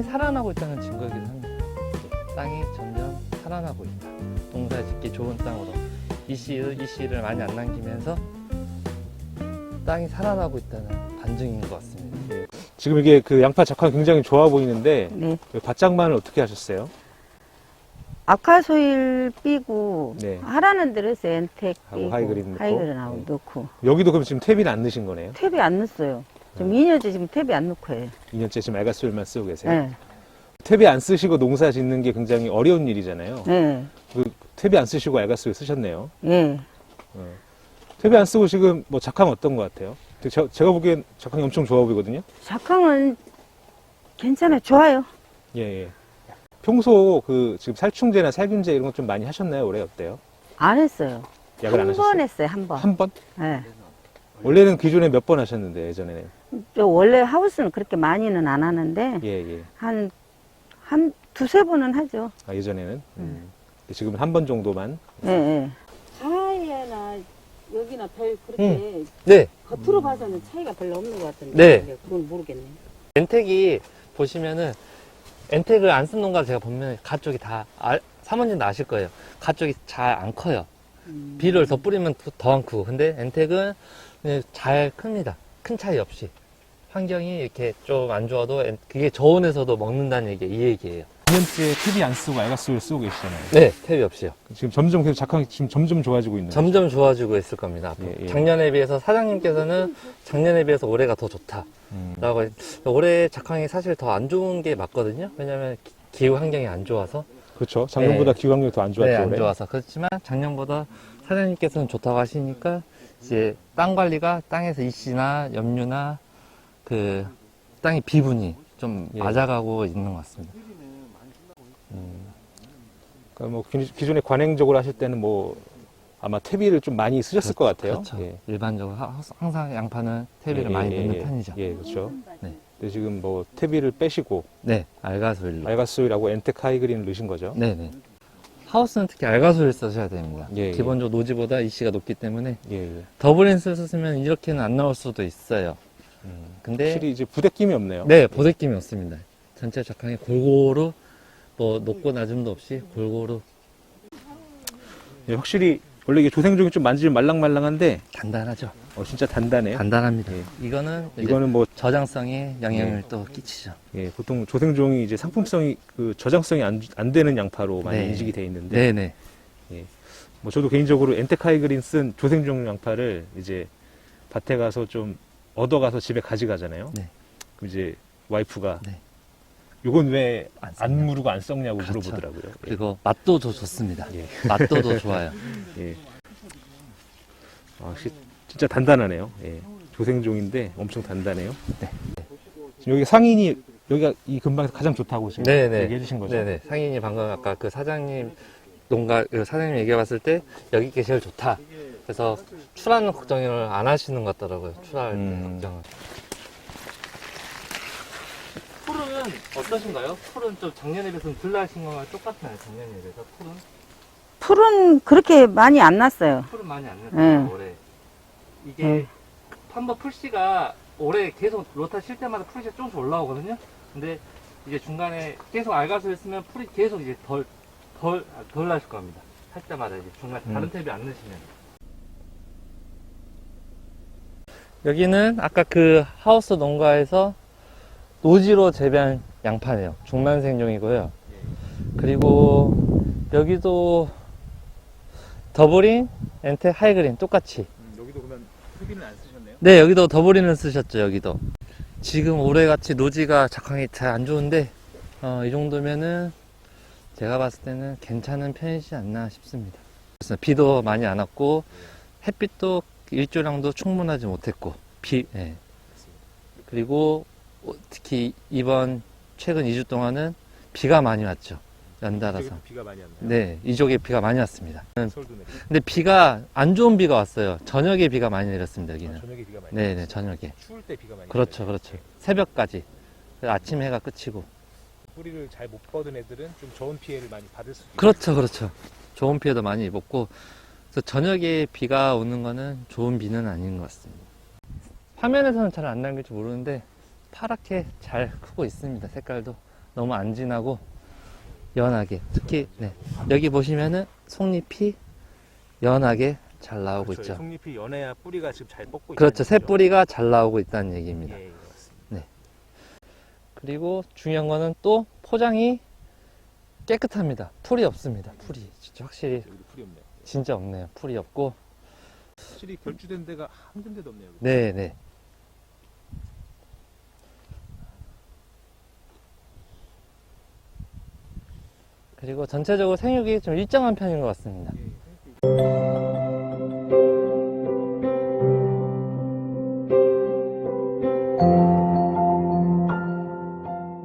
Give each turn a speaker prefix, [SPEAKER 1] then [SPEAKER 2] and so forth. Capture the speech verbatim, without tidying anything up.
[SPEAKER 1] 살아나고 있다는 증거이기도 합니다. 땅이 점점 살아나고 있다. 농사 짓기 좋은 땅으로 이씨, 이씨를 많이 안 남기면서 땅이 살아나고 있다는 반증인 것 같습니다.
[SPEAKER 2] 예. 지금 이게 그 양파 작황 굉장히 좋아 보이는데
[SPEAKER 3] 네.
[SPEAKER 2] 그 밭장만을 어떻게 하셨어요?
[SPEAKER 3] 아카소일 삐고
[SPEAKER 2] 네.
[SPEAKER 3] 하라는 대로 해서 엔텍
[SPEAKER 2] 하고
[SPEAKER 3] 삐고
[SPEAKER 2] 하이그린 넣고.
[SPEAKER 3] 하이그린하고
[SPEAKER 2] 네.
[SPEAKER 3] 넣고
[SPEAKER 2] 여기도 그럼 지금 탭이는 안 넣으신 거네요?
[SPEAKER 3] 탭이 안 넣었어요. 지금 이 년째 지금 탭이 안 넣고 해요.
[SPEAKER 2] 이 년째 지금 알가스올만 쓰고 계세요?
[SPEAKER 3] 네.
[SPEAKER 2] 탭이 안 쓰시고 농사 짓는 게 굉장히 어려운 일이잖아요.
[SPEAKER 3] 네.
[SPEAKER 2] 그 탭이 안 쓰시고 알가스올 쓰셨네요.
[SPEAKER 3] 예.
[SPEAKER 2] 어. 탭이 안 쓰고 지금 뭐 작황 어떤 것 같아요? 제, 제가 보기엔 작황이 엄청 좋아 보이거든요.
[SPEAKER 3] 작황은 괜찮아요. 좋아요.
[SPEAKER 2] 예, 예. 평소 그 지금 살충제나 살균제 이런 거 좀 많이 하셨나요? 올해 어때요?
[SPEAKER 3] 안 했어요.
[SPEAKER 2] 약을 안
[SPEAKER 3] 한
[SPEAKER 2] 하셨어요?
[SPEAKER 3] 번 했어요. 한 번.
[SPEAKER 2] 한 번?
[SPEAKER 3] 네.
[SPEAKER 2] 원래는 기존에 몇 번 하셨는데 예전에는.
[SPEAKER 3] 저 원래 하우스는 그렇게 많이는 안 하는데
[SPEAKER 2] 예, 예.
[SPEAKER 3] 한, 한 두세 번은 하죠.
[SPEAKER 2] 아, 예전에는. 음. 지금은 한 번 정도만.
[SPEAKER 3] 예, 예. 하이에나 여기나 별 그렇게
[SPEAKER 1] 음. 네.
[SPEAKER 3] 겉으로 봐서는 차이가 별로 없는 것 같은데.
[SPEAKER 1] 네.
[SPEAKER 3] 그건 모르겠네.
[SPEAKER 1] 엔텍이 보시면은 엔텍을 안 쓴 농가 제가 보면 가쪽이 다 알, 사모님도 아실 거예요. 가쪽이 잘 안 커요.
[SPEAKER 3] 음.
[SPEAKER 1] 비료를 더 뿌리면 더 안 크고. 근데 엔텍은 그냥 잘 큽니다. 큰 차이 없이. 환경이 이렇게 좀 안 좋아도 엔- 그게 저온에서도 먹는다는 얘기, 이 얘기예요.
[SPEAKER 2] 이 년째 탭이 안 쓰고 알가스올 쓰고 계시잖아요.
[SPEAKER 1] 네, 탭이 없이요.
[SPEAKER 2] 지금 점점 계속 작황이 지금 점점 좋아지고 있는 거죠.
[SPEAKER 1] 점점 좋아지고 있을 겁니다. 앞으로.
[SPEAKER 2] 예, 예.
[SPEAKER 1] 작년에 비해서 사장님께서는 작년에 비해서 올해가 더 좋다.
[SPEAKER 2] 음.
[SPEAKER 1] 라고 했- 올해 작황이 사실 더 안 좋은 게 맞거든요. 왜냐면 기- 기후 환경이 안 좋아서.
[SPEAKER 2] 그렇죠. 작년보다
[SPEAKER 1] 네.
[SPEAKER 2] 기후 환경이 더 안 좋았죠.
[SPEAKER 1] 네, 안
[SPEAKER 2] 올해.
[SPEAKER 1] 좋아서. 그렇지만 작년보다 사장님께서는 좋다고 하시니까 이제 땅 관리가 땅에서 이씨나 염류나 그 땅의 비분이 좀
[SPEAKER 2] 예.
[SPEAKER 1] 맞아가고 있는 것 같습니다.
[SPEAKER 2] 그러니까 뭐 기- 기존에 관행적으로 하실 때는 뭐 아마 퇴비를 좀 많이 쓰셨을 것 같아요.
[SPEAKER 1] 그렇죠.
[SPEAKER 2] 예.
[SPEAKER 1] 일반적으로 하- 항상 양파는 퇴비를
[SPEAKER 2] 예,
[SPEAKER 1] 많이
[SPEAKER 2] 예,
[SPEAKER 1] 넣는
[SPEAKER 2] 예,
[SPEAKER 1] 편이죠.
[SPEAKER 2] 예, 그렇죠.
[SPEAKER 1] 네.
[SPEAKER 2] 근데 지금 뭐 퇴비를 빼시고
[SPEAKER 1] 네, 알가솔로.
[SPEAKER 2] 알가스올하고 엔텍 하이그린을 넣으신 거죠.
[SPEAKER 1] 네네. 하우스는 특히 알가솔을 써셔야 됩니다.
[SPEAKER 2] 예, 예.
[SPEAKER 1] 기본적으로 노지보다 이씨가 높기 때문에
[SPEAKER 2] 예, 예.
[SPEAKER 1] 더블랜스를 쓰면 이렇게는 안 나올 수도 있어요.
[SPEAKER 2] 음.
[SPEAKER 1] 근데
[SPEAKER 2] 확실히 이제 부대낌이 없네요.
[SPEAKER 1] 네, 보대낌이 없습니다. 전체 작황이 골고루 뭐 높고 낮음도 없이 골고루
[SPEAKER 2] 예, 확실히 원래 이게 조생종이 좀 만지면 말랑말랑한데
[SPEAKER 1] 단단하죠.
[SPEAKER 2] 어, 진짜 단단해요.
[SPEAKER 1] 단단합니다.
[SPEAKER 2] 예.
[SPEAKER 1] 이거는 이제
[SPEAKER 2] 이거는 뭐
[SPEAKER 1] 저장성에 영향을
[SPEAKER 2] 예.
[SPEAKER 1] 또 끼치죠.
[SPEAKER 2] 예, 보통 조생종이 이제 상품성이 그 저장성이 안, 안 되는 양파로 많이
[SPEAKER 1] 네.
[SPEAKER 2] 인식이 돼 있는데
[SPEAKER 1] 네네.
[SPEAKER 2] 뭐 저도 개인적으로 엔텍 하이그린 쓴 조생종 양파를 이제 밭에 가서 좀 얻어가서 집에 가져가잖아요.
[SPEAKER 1] 네.
[SPEAKER 2] 그럼 이제 와이프가
[SPEAKER 1] 네.
[SPEAKER 2] 이건 왜
[SPEAKER 1] 안
[SPEAKER 2] 안
[SPEAKER 1] 썩냐.
[SPEAKER 2] 무르고 안 썩냐고
[SPEAKER 1] 그렇죠.
[SPEAKER 2] 물어보더라고요.
[SPEAKER 1] 그리고 맛도 더 좋습니다.
[SPEAKER 2] 예.
[SPEAKER 1] 맛도 더 좋아요.
[SPEAKER 2] 예. 아, 시, 진짜 단단하네요. 예. 조생종인데 엄청 단단해요.
[SPEAKER 1] 네.
[SPEAKER 2] 지금 여기 상인이 여기가 이 근방에서 가장 좋다고 지금
[SPEAKER 1] 네네.
[SPEAKER 2] 얘기해 주신 거죠?
[SPEAKER 1] 네네. 상인이 방금 아까 그 사장님 농가 그 사장님 얘기해 봤을 때 여기 게 제일 좋다. 그래서 출하는 걱정을 안 하시는 것 같더라고요. 출하할 때
[SPEAKER 2] 음.
[SPEAKER 1] 걱정을. 풀은 어떠신가요? 풀은 좀 작년에 비해서는 덜 나신 거랑 똑같나요? 작년에 비해서 풀은?
[SPEAKER 3] 풀은 그렇게 많이 안 났어요.
[SPEAKER 1] 풀은 많이 안 났어요.
[SPEAKER 3] 네.
[SPEAKER 1] 올해. 이게
[SPEAKER 3] 네.
[SPEAKER 1] 한번 풀씨가 올해 계속 로타 칠 때마다 풀씨가 조금씩 올라오거든요. 근데 이제 중간에 계속 알가스를 쓰면 풀이 계속 이제 덜, 덜, 덜 나실 겁니다. 할 때마다 이제 중간에 다른
[SPEAKER 2] 음.
[SPEAKER 1] 탭이 안 넣으시면. 여기는 아까 그 하우스 농가에서 노지로 재배한 양파네요. 중란생종이고요. 그리고 여기도 더블인, 엔텍, 하이그린 똑같이.
[SPEAKER 2] 음, 여기도 그러면 흡인은 안 쓰셨네요?
[SPEAKER 1] 네, 여기도 더블인을 쓰셨죠. 여기도. 지금 올해같이 노지가 작황이 잘 안 좋은데 어, 이 정도면은 제가 봤을 때는 괜찮은 편이지 않나 싶습니다. 그래서 비도 많이 안 왔고 햇빛도 일조량도 충분하지 못했고 비, 예. 그리고 특히 이번 최근 이 주 동안은 비가 많이 왔죠. 연달아서.
[SPEAKER 2] 비가 많이 왔나요?
[SPEAKER 1] 네, 이쪽에 비가 많이 왔습니다.
[SPEAKER 2] 서울도 내리고.
[SPEAKER 1] 근데 비가 안 좋은 비가 왔어요. 저녁에 비가 많이 내렸습니다. 여기는.
[SPEAKER 2] 아, 저녁에 비가 많이
[SPEAKER 1] 네,
[SPEAKER 2] 왔어요.
[SPEAKER 1] 네, 저녁에.
[SPEAKER 2] 추울 때 비가 많이
[SPEAKER 1] 그렇죠,
[SPEAKER 2] 내려요.
[SPEAKER 1] 그렇죠. 새벽까지. 그래서 아침 해가 끝이고.
[SPEAKER 2] 뿌리를 잘 못 뻗은 애들은 좀 저온 피해를 많이 받을 수도 있어요.
[SPEAKER 1] 그렇죠, 그렇죠. 좋은 피해도 많이 입었고, 그래서 저녁에 비가 오는 거는 좋은 비는 아닌 것 같습니다. 화면에서는 잘 안 남길지 모르는데, 파랗게 잘 크고 있습니다, 색깔도. 너무 안 진하고 연하게, 특히 네. 여기 보시면은 속잎이 연하게 잘 나오고
[SPEAKER 2] 그렇죠.
[SPEAKER 1] 있죠.
[SPEAKER 2] 속잎이 연해야 뿌리가 지금 잘 뻗고
[SPEAKER 1] 그렇죠. 새
[SPEAKER 2] 있다는
[SPEAKER 1] 뿌리가 잘 나오고 있다는 얘기입니다.
[SPEAKER 2] 얘기죠. 예, 예, 맞습니다.
[SPEAKER 1] 그리고 중요한 거는 또 포장이 깨끗합니다. 풀이 없습니다. 풀이 진짜 확실히
[SPEAKER 2] 여기도 풀이 없네요.
[SPEAKER 1] 진짜 없네요. 풀이 없고.
[SPEAKER 2] 확실히 결주된 데가 한 군데도 없네요. 여기.
[SPEAKER 1] 네, 네. 그리고 전체적으로 생육이 좀 일정한 편인 것 같습니다.
[SPEAKER 2] 예, 생각해